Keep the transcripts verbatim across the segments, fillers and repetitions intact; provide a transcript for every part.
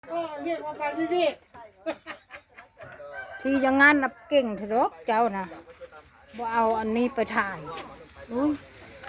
ก็เรียกว่าไปวิเวกที่อย่างงั้นนะเก่งเถอะดอกเจ้านะบ่เอาอันนี้ไปถ่ายอุ้ย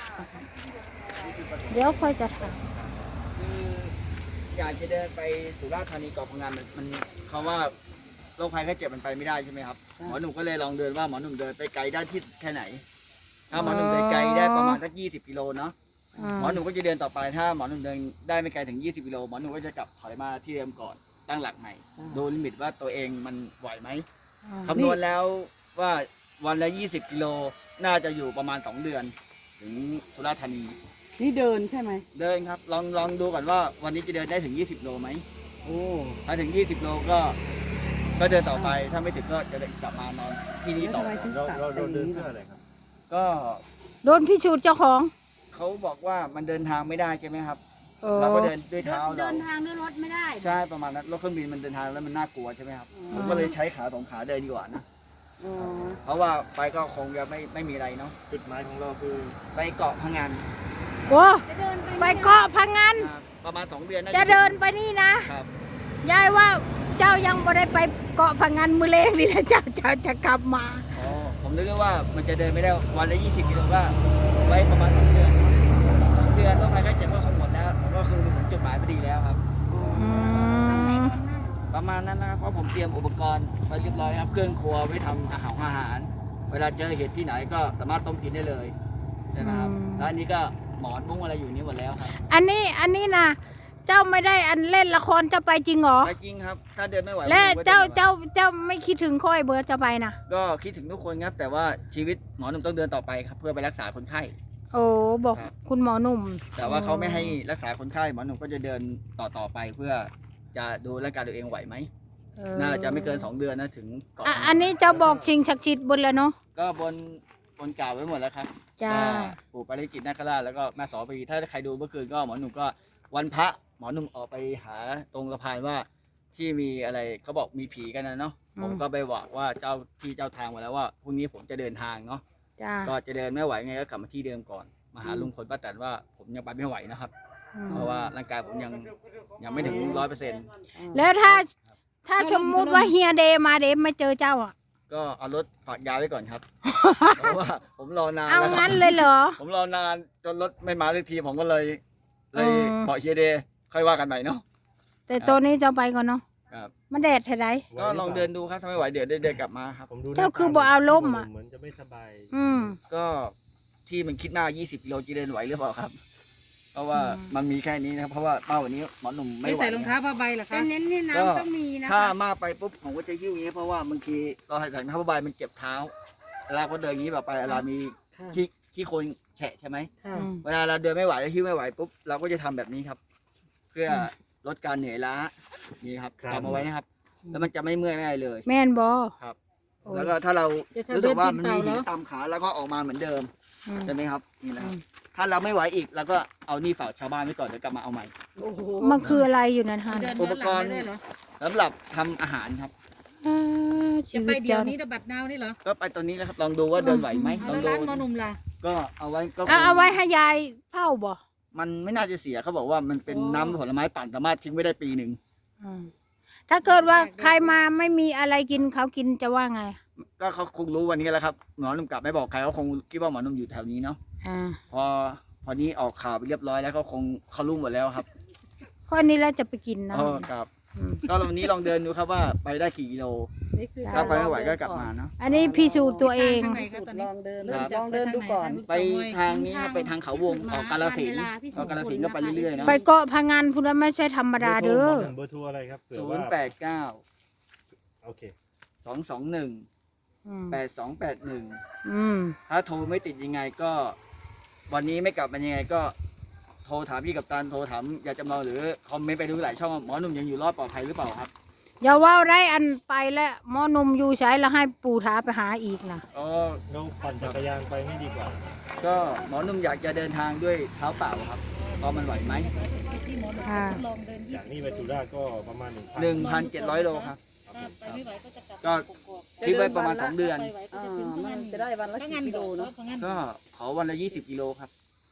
เดี๋ยวค่อยจะถ่ายคืออยากจะเดินไปสุราษฎร์ธานีเกาะพังงานมันมันเขาว่าโรคภัยไข้เจ็บมันไปไม่ได้ใช่ไหมครับหมอหนุ่มก็เลยลองเดินว่าหมอหนุ่มเดินไปไกลได้ที่แค่ไหนถ้าหมอหนุ่มเดินไกลได้ประมาณสักยี่สิบกิโลเนาะหมอหนุ่มก็จะเดินต่อไปถ้าหมอหนุ่มเดินได้ไม่ไกลถึงยี่สิบกิโลหมอหนุ่มก็จะกลับถอยมาที่เดิมก่อนตั้งหลักใหม่ดูลิมิตว่าตัวเองมันไหวไหมคำนวณแล้วว่าวันละยี่สิบกิโลน่าจะอยู่ประมาณสองเดือนถึงสุราษฎร์ธานีนี่เดินใช่ไหมเดินครับลองลองดูก่อนว่าวันนี้จะเดินได้ถึงยี่สิบโลไหมโอ้ถ้าถึงยี่สิบโลก็ก็เดินต่อไปถ้าไม่ถึงก็จะเดินกลับมานอนที่นี่แล้วต่อทำไมถึงเราตัดเราไปเราเดินนี้เพื่อล่ะอะไรครับก็โดนพิสูจน์เจ้าของเขาบอกว่ามันเดินทางไม่ได้ใช่ไหมครับเออเราก็เดินด้วยเท้าเราเดินทางด้วยรถไม่ได้ใช่ประมาณนั้นรถเครื่องบินมันเดินทางแล้วมันน่ากลัวใช่ไหมครับผมก็เลยใช้ขาสองขาเดินดีกว่านะอ๋อเพราะว่าไปก็คงจะไม่ไม่มีอะไรเนาะจุดหมายของเราคือไปเกาะพังงานโอ้ไปเกาะพังงานอ่าประมาณสองเดือนน่าจะเดินไปนี่นะครับ ยายว่าเจ้ายังไม่ได้ไปเกาะพังงานมือเล็กนี่แหละเจ้าเจ้าจะกลับมาอ๋อผมนึกว่ามันจะเดินไม่ได้วันละยี่สิบกิโลก็ไว้ประมาณสองเดือนสองเดือนต้องไปใกล้เจ็บก็คงหมดแล้วผมก็คือถึงจุดหมายพอดีแล้วครับอืมประมาณนั้นนะครับเพราะผมเตรียมอุปกรณ์ไปเรียบร้อยครับเครื่องครัวไว้ทำอาหารอาหาร เวลาเจอเหตุที่ไหนก็สามารถต้มกินได้เลยใช่ไหมครับแล้วอันนี้ก็หมอนมุ้งอะไรอยู่นี่หมดแล้วครับอันนี้อันนี้นะเจ้าไม่ได้อันเล่นละครจะไปจริงเหรอแต่จริงครับ ถ้าเดินไม่ไหวและผมก็เจ้าดินไม่ไหวเจ้าเจ้าไม่คิดถึงค่อยเบิร์ดจะไปนะก็คิดถึงทุกคนครับแต่ว่าชีวิตหมอหนุ่มต้องเดินต่อไปครับเพื่อไปรักษาคนไข้โอ้บอกครับคุณหมอหนุ่มแต่ว่าเขาไม่ให้รักษาคนไข้หมอหนุ่มก็จะเดินต่อต่อไปเพื่อจะดูร่างกายตัวเองไหวไหมเออน่าจะไม่เกินสองเดือนนะถึงเกาะอ่ะอันนี้เจ้าบอกชิงศักดิ์สิทธิ์บนแล้วเนาะก็บนบนกล่าวไว้หมดแล้วครับจ้าก็ปู่ปาริจิตนาคราชแล้วก็แม่สอปีถ้าใครดูเมื่อคืนก็หมอหนุ่มก็วันพระหมอหนุ่มออกไปหาตรงสะพานว่าที่มีอะไรเขาบอกมีผีกันนะเนาะผมก็ไปบอกว่าเจ้าที่เจ้าทางมาแล้วว่าพรุ่งนี้ผมจะเดินทางเนาะจ้าก็จะเดินไม่ไหวไงก็กลับมาที่เดิมก่อนมาหาลุงพลป้าแตนว่าผมยังไปไม่ไหวนะครับอืมเพราะว่าร่างกายผมยังยังไม่ถึงร้อยเปอร์เซ็นต์แล้วถ้าถ้าสมมุติว่าเฮียเดมาเดไม่เจอเจ้าอ่ะก็เอารถฝากยาไว้ก่อนครับ เพราะว่าผมรอนานเอาแล้วครับงั้นเลยเหรอผมรอนานจนรถไม่มาสักทีผมก็เลยเลยอืมบอกเฮียเดย์ค่อยว่ากันใหม่เนาะแต่ตัวนี้เจ้าไปก่อนเนาะครับมันแดดเท่าไรก็ลองเดินดูครับถ้าไม่ไหวเดี๋ยวเดินกลับมาครับผมดูเจ้าคือบ่เอาร่มอะเหมือนจะไม่สบายอืมก็ที่มันคิดหน้ายี่สิบกิโลจะเดินไหวหรือเปล่าครับ เพราะว่าอืมมันมีแค่นี้นะครับเพราะว่าเป้าวันนี้หมอหนุ่มไม่ไม่ไหวใส่รองเท้าผ้าใบเหรอแต่คะเน้นนี่ก็น้ำต้องมีนะถ้าคะมากไปปุ๊บผมก็จะหิ้วอย่างนี้เพราะว่าบางทีเราใส่ถุงเท้าผ้าใบมันเจ็บเท้าเวลาก็เดินอย่างนี้แบบไปเวลามีค่ะขี้ขี้โคลนแฉะใช่ไหมค่ะอืมเวลาเราเดินไม่ไหวแล้วหิ้วไม่ไหวปุ๊บเราก็จะทำแบบนี้ครับ เพื่ออมลดการเหนื่อยล้านี่ครับครับจำเอาไว้นะครับ แล้วมันจะไม่เมื่อยไม่อะไรเลยแม่นบอครับโอ้ยแล้วก็ถ้าเราจะทำรู้สึกว่ามันมีเดินตีนเปหิล่าน เหรอตามขาแล้วก็ออกมาเหมือนเดิมอืมใช่ไหมครับนี่นะคอืรับมถ้าเราไม่ไหวอีกเราก็เอานี่ฝากชาวบ้านไว้ก่อนเดี๋ยวกลับมาเอาใหม่โอ้โหมันคืออะไรอยู่นั่นฮะเดินอุย้ปอนหกลังรณ์ไม่ได้เหรอสำหรับทำอาหารครับอ่าชีจะไปวิตเดี๋ยวเจ้านี้ระบัดนาวนี่เหรอก็ไปตัวนี้แล้วครับลองดูว่าเดินไหวไหมเอาลองแล้วดูร้านหมอหนุ่มล่ะก็เอาไว้ก็เอาเอาไว้ให้ยายเผาบ่มันไม่น่าจะเสียเขาบอกว่ามันเป็นน้ำผลไม้ปั่นสามารถทิ้งไว้ได้ปีหนึ่งอืมถ้าเกิดว่าใครมาไม่มีอะไรกินเขากินจะว่าไงก็เขาคงรู้วันนี้แหล้วครับหมอหนุ่มกลับไม่บอกใครเขาคงคิดว่าหมอหนุ่มอยู่แถวนี้เนาะอ่าพอพอนี้ออกข่าวไปเรียบร้อยแล้วเขาคงเขารู้หมดแล้วครับข้อนี้แล้วจะไปกินนะเออครับอืมก็วันนี้ลองเดินดูครับว่าไปได้กี่กิโลนี่คือถ้าไปไม่ไหวก็กลับมาเนาะอันนี้พิสูจน์ตัวเองทางไหนคะตอนนี้ลองเดินครับลองเดินดูก่อนไปทางนี้ครับไปทางเขาวงออกกาลสินธุ์ออกกาลสินธุ์ก็ไปเรื่อยๆเนาะไปเกาะพังงานคุณไม่ใช่ธรรมดาเด้อเบอร์โทรอะไรครับเผื่อศูว่านย์แปดเก้าโอเคสองสองหนึ่งอืมแปดสองแปดหนึ่งอืมถ้าโทรไม่ติดยังไงก็ วันนี้ไม่กลับมายังไงก็โทรถามพี่กัปตันโทรถามอยากจำลองหรือคอมเมนต์ไปดูหลายช่องว่าหมอหนุ่มยังอยู่รอดปลอดภัยหรือเปล่าครับอย่าว่าได้อันไปแล้วหมอหนมอยู่ใช้แล้วให้ปู่ท้าไปหาอีกนะอ๋อเราปั่นจักรยานไปไม่ดีกว่าก็หมอหนุ่มอยากจะเดินทางด้วยเท้าเปล่าครับพอมันไหวไหมที่หมอหนุ่มค่ะลองเดินยี่จากนี้ไปสุราษฎร์ก็ประมาณหนึ่งพันหนึ่งพันเจ็ดร้อยโลครับไปไม่ไหวก็จะกลับก็ คิดไว้ประมาณสองเดือนไปไหวก็อ่าจะถึงพังมังานนจะได้วันละพังกี่งานกิโลเนาะพังงานก็ขอวันละยี่สิบกิโลครับ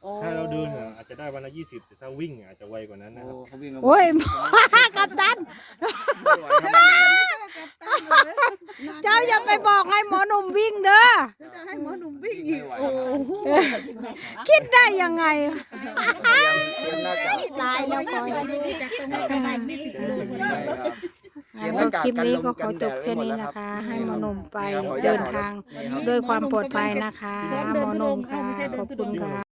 ถ้าเราเดินเนี่ยอาจจะได้วันละยี่สิบแต่ถ้าวิ่งอาจจะไวกว่านั้นนะโอ้ครับเขาวิ่งกันโอ้ย กัปตันไม่ไหวครับเจ้าอย่าไปบอกให้หมอหนุ่มวิ่งเด้อจะให้หมอหนุ่มวิ่งอีไม่กไหวโอ้ครับคิดได้ยังไงเตรียมเตรียมหน้ากากตายแล้วก่อนจากตรงนี้ไปไหนยี่สิบกิโลใช่ครับงั้นก็คลิปนี้ก็ขอจบแค่นี้นะคะ ให้หมอหนุ่มไปเดินทางด้วยความปลอดภัยนะคะหมอหนุ่มค่ะ ขอบคุณค่ะ